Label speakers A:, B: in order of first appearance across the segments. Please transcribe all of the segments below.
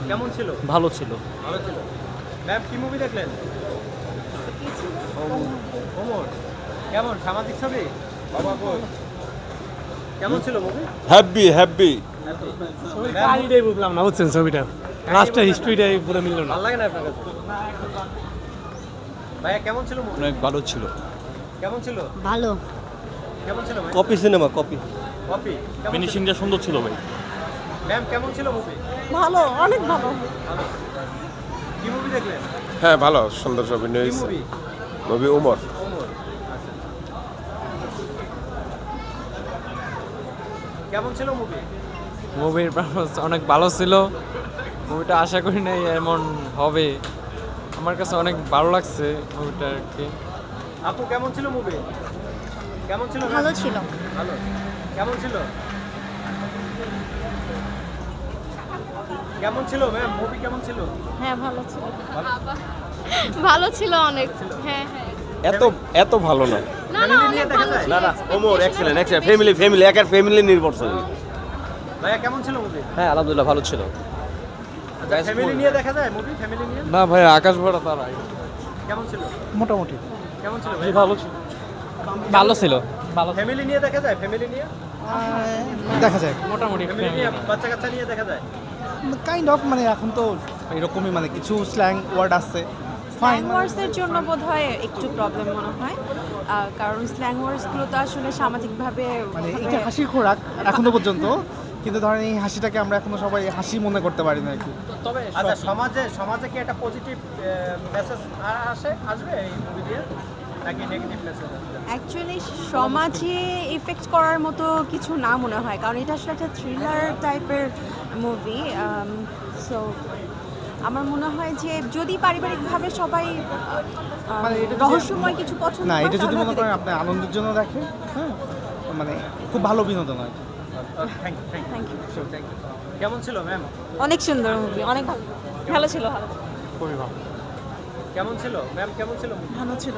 A: কেমন ছিল?
B: ভালো ছিল।
A: ভালো ছিল। ম্যাম কি মুভি দেখলেন? ওমর। কেমন সামাজিক ছবি? বাবা কই? কেমন ছিল মুভি?
C: Happy happy.
D: কাহিনীটাই বুঝলাম না, বুঝছেন ছবিটা লাস্টের হিস্ট্রিটাই পুরো মিলল না।
A: ভালো লাগে না আপনার কাছে? ভাইয়া কেমন ছিল মুভি?
C: অনেক ভালো ছিল।
A: কেমন ছিল?
E: ভালো।
A: কেমন ছিল ভাই?
C: Copy cinema copy.
A: কপি।
B: ফিনিশিংটা সুন্দর ছিল ভাই।
A: ম্যাম কেমন ছিল মুভি?
E: ভালো, অনেক ভালো।
A: কি মুভি দেখলেন?
C: হ্যাঁ ভালো, সুন্দর অভিনয়
A: কি
C: হয়েছে।
A: মুভি?
C: নবী ওমর।
A: ওমর। আচ্ছা। কেমন ছিল মুভি?
F: মুভির পারফরমেন্স অনেক ভালো ছিল। মুভিটা আশা করি নাই এমন হবে। আমার কাছে অনেক ভালো লাগছে মুভিটা আর কি।
A: আপু কেমন ছিল মুভি? কেমন ছিল?
E: ভালো ছিল।
A: ভালো। কেমন ছিল? কেমন ছিল ম্যাম? মুভি কেমন ছিল?
E: হ্যাঁ, ভালো ছিল। ভালো ছিল অনেক। হ্যাঁ হ্যাঁ।
C: এত এত ভালো না।
E: না না,
A: Family নিয়ে
E: অনেক
A: দেখা
E: ভালো
A: যায়?
E: ছিল।
C: না না, ওমর এক্সেলেন্ট এক্সেলেন্ট, ফ্যামিলি একার ফ্যামিলি নির্ভর ছবি।
A: ভাইয়া কেমন ছিল মুভি?
B: হ্যাঁ আলহামদুলিল্লাহ ভালো ছিল।
A: আচ্ছা ফ্যামিলি নিয়ে দেখা যায় মুভি? ফ্যামিলি নিয়ে
F: না ভাই, আকাশ ভরা তারা।
A: কেমন ছিল?
D: মোটামুটি
A: কেমন ছিল ভাই?
B: ভালো ছিল। ভালো ছিল।
A: ফ্যামিলি নিয়ে দেখা যায়? ফ্যামিলি নিয়ে?
D: দেখা যায়
F: মোটামুটি
A: ফ্যামিলি নিয়ে বাচ্চা কাচ্চা নিয়ে দেখা যায়?
D: কাইন্ড অফ, মানে এখন তো এরকমই, মানে কিছু স্ল্যাং ওয়ার্ড আছে ফাইন।
G: স্ল্যাং ওয়ার্ডসের জন্য বোধহয় একটু প্রবলেম মনে হয়, কারণ স্ল্যাং ওয়ার্ডসগুলো তো আসলে সামাজিকভাবে
D: মানে এটা হাসির খোরাক এখনো পর্যন্ত, কিন্তু ধরেন এই হাসিটাকে আমরা এখনো সবাই হাসি মনে করতে পারি না আর কি।
B: তবে
A: আচ্ছা সমাজে কি একটা পজিটিভ মেসেজ আসবে এই মুভি দিয়ে নাকি নেগেটিভ মেসেজ আসবে?
G: অ্যাকচুয়ালি সমাজে ইফেক্ট করার মতো কিছু না মনে হয়, কারণ এটা আসলে একটা থ্রিলার টাইপের মুভি। সো আমার মনে হয় যে যদি পারিবারিকভাবে সবাই
D: মানে এটা যদি-
G: রহস্যময় কিছু পছন্দ
D: না,
G: করে,
D: এটা যদি
G: তাহলে
D: মনে
G: হয়তো
D: করেন
G: দেখতে
D: আপনি আনন্দের জন্য দেখেন, হ্যাঁ, মানে খুব ভালো বিনোদন হয়।
A: Thank you
G: Thank you.
A: Thank you. কেমন ছিল ম্যাম?
G: অনেক সুন্দর মুভি, অনেক ভালো, ভালো ছিল, ভালো
F: খুবই ভালো।
A: কেমন ছিল ম্যাম? কেমন ছিল movie?
G: ভালো ছিল।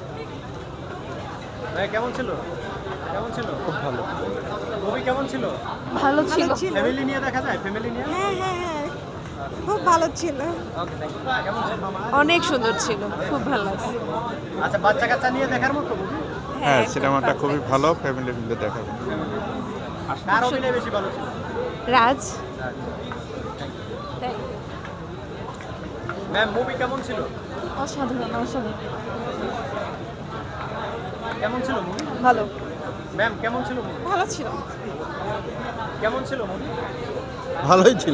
A: ভাই কেমন ছিল? কেমন ছিল? খুব ভালো। মুভি কেমন ছিল?
G: ভালো ছিল।
A: ফ্যামিলি নিয়ে দেখা যায়? ফ্যামিলি নিয়ে?
G: হ্যাঁ হ্যাঁ হ্যাঁ, খুব ভালো ছিল।
A: Okay thank you. কেমন ছিল?
G: অনেক সুন্দর ছিল, খুব ভালো লাগছে।
A: আচ্ছা বাচ্চা কাচ্চা নিয়ে দেখার মতো মুভি?
C: হ্যাঁ সিনেমাটা খুবই ভালো, ফ্যামিলি মিলে দেখাবে।
A: কার অভিনয় বেশি ভালো ছিল?
G: রাজ।
A: ম্যাম মুভি কেমন ছিল?
G: অসাধারণ, অসাধারণ,
A: কেমন ছিল মুভি?
G: ভালো,
A: ম্যাম কেমন ছিল মুভি?
G: ভালো ছিল।
A: কেমন ছিল মুভি?
C: ভালোই ছিল।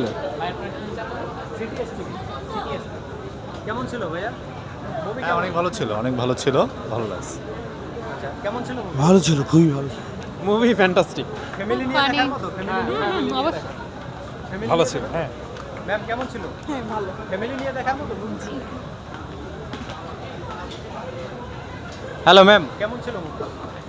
A: কেমন ছিল ভাইয়া? মুভি
C: হ্যাঁ অনেক ভালো ছিল, অনেক ভালো ছিল, ভালো লাগছে।
A: আচ্ছা কেমন ছিল মুভি?
D: ভালো ছিল, খুবই ভালো।
F: Movie fantastic.
A: ফ্যামিলি নিয়ে দেখার মতো? ফ্যামিলি নিয়ে? Family
C: ভালো
A: নিয়ে
C: ছিল, হ্যাঁ।
A: ম্যাম কেমন ছিল?
G: হ্যাঁ ভালো।
A: ফ্যামিলি নিয়ে দেখার মতো?
B: Hello ma'am.
A: কেমন ছিল মুভি?